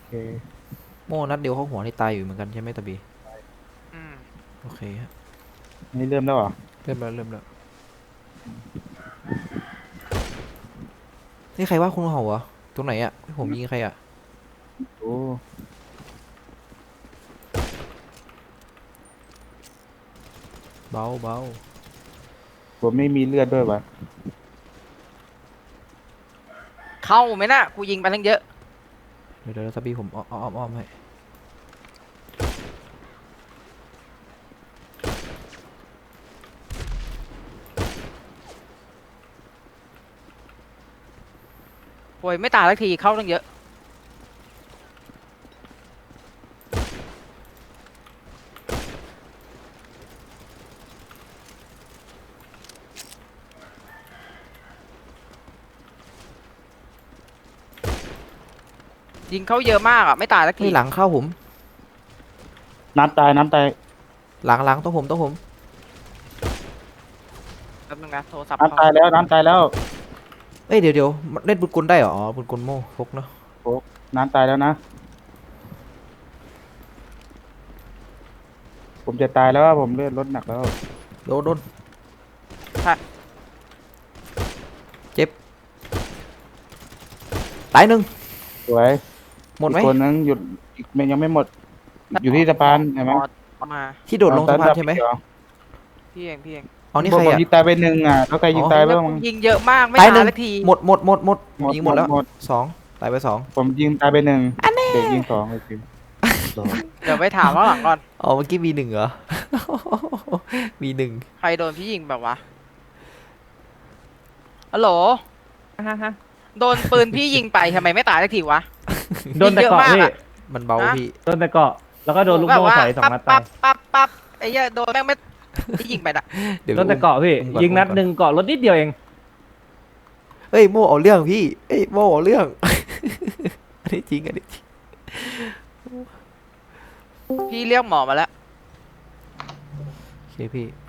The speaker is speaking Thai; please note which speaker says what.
Speaker 1: เค
Speaker 2: โม่นัดเดียวเข้าหัวนี่ตายอยู่เหมือนกันใช่ไหมตะบี
Speaker 3: อืม
Speaker 2: โอเคฮะ
Speaker 1: นี่เริ่มแล้วเหรอ
Speaker 2: เริ่มแล้วนี่ใครว่าคุณเห่าเหรอตรงไหนอ่ะผมยิงใครอ่ะ
Speaker 1: โอ้
Speaker 2: เบา
Speaker 1: ผมไม่มีเลือดด้วยวะ
Speaker 3: เข้าไหมน่ะกูยิงไปทั้งเยอะ
Speaker 2: เดี๋ยวตะบีผมอ้อมให้
Speaker 3: โวยไม่ตายสักทีเข้าทั้งเยอะยิงเขาเยอะมากอ่ะไม่ตายสักที
Speaker 2: เฮ้ยหลังเข้าผม
Speaker 1: น้ำตาย
Speaker 2: หลังต้องผม
Speaker 3: แป๊บนึงนะโทรศัพท์
Speaker 1: น้ำ
Speaker 3: เขา
Speaker 1: ตายแล้วน้ำตายแล้ว
Speaker 2: เอ้ยเดี๋ยวมันเล่นปืนกลได้เหรออ๋อปืนกลโม่พกเนาะ
Speaker 1: โอ้น้ำตายแล้วนะผมจะตายแล้วผมเลือดลดหนักแล้ว
Speaker 2: โดน
Speaker 3: ใช่
Speaker 2: เจ็บตายหนึ่ง
Speaker 1: สวย
Speaker 2: หมดไหม
Speaker 1: อีกคนนึงหยุดอีกยังไม่หมดอยู่ที่สะพานเห็นไหม
Speaker 3: มา
Speaker 2: ที่โดดลงสะพานใช่ไหม
Speaker 3: พี่เอง
Speaker 2: เอานี่
Speaker 1: ผม
Speaker 2: ใครอ่ะ
Speaker 1: ยิงตายไปหนึ่งอ่ะแล้วใครยิงตายไป
Speaker 3: แล้ว
Speaker 1: บ้าง
Speaker 3: กู
Speaker 1: มั้ง
Speaker 3: ยิงเยอะมากไม่
Speaker 2: ตายหนึ่ง
Speaker 3: ตายสักที
Speaker 2: หมดผมยิงหมดแล้ว
Speaker 1: หมด
Speaker 2: สองตายไปสอง
Speaker 1: ผมยิงตายไปหนึ่งเด็กยิงสองเลยจริงสอง
Speaker 3: เดี๋ยวไปถามว่าหลังก่อน
Speaker 2: อ๋อเมื่อกี้มีหนึ่งเหรอ มีหนึ่ง
Speaker 3: ใครโดนพี่ยิงแบบวะฮัลโหลโดนปืนพี่ยิงไปทำไมไม่ตายสักทีวะ
Speaker 4: โดนแต่เกาะ
Speaker 3: ยิงเยอะมาก
Speaker 4: พี่
Speaker 3: อะ
Speaker 2: มันเบา
Speaker 3: ฮะ
Speaker 2: พี่
Speaker 4: โดนแต่เกาะแล้วก็โดนลูก
Speaker 3: แบบ
Speaker 4: โม่
Speaker 3: ว่า
Speaker 4: ใส่2 นัดตาย
Speaker 3: ปั๊บไอ้เหี้ยโดนแม่งไม่พี่ยิงไปน่ะ
Speaker 2: เดี๋ยว
Speaker 4: โดนแต่เกาะพี่
Speaker 2: ก่อ
Speaker 4: ยิงนัดหนึ่งเกาะรถนิดเดียวเอง
Speaker 2: เฮ้ยโม่เอาเรื่องพี่เอ้ยโม่เอาเรื่อง อันนี้จริงอันนี้จริง
Speaker 3: พี่เรียกหมอมาแล้ว
Speaker 2: โอเคพี่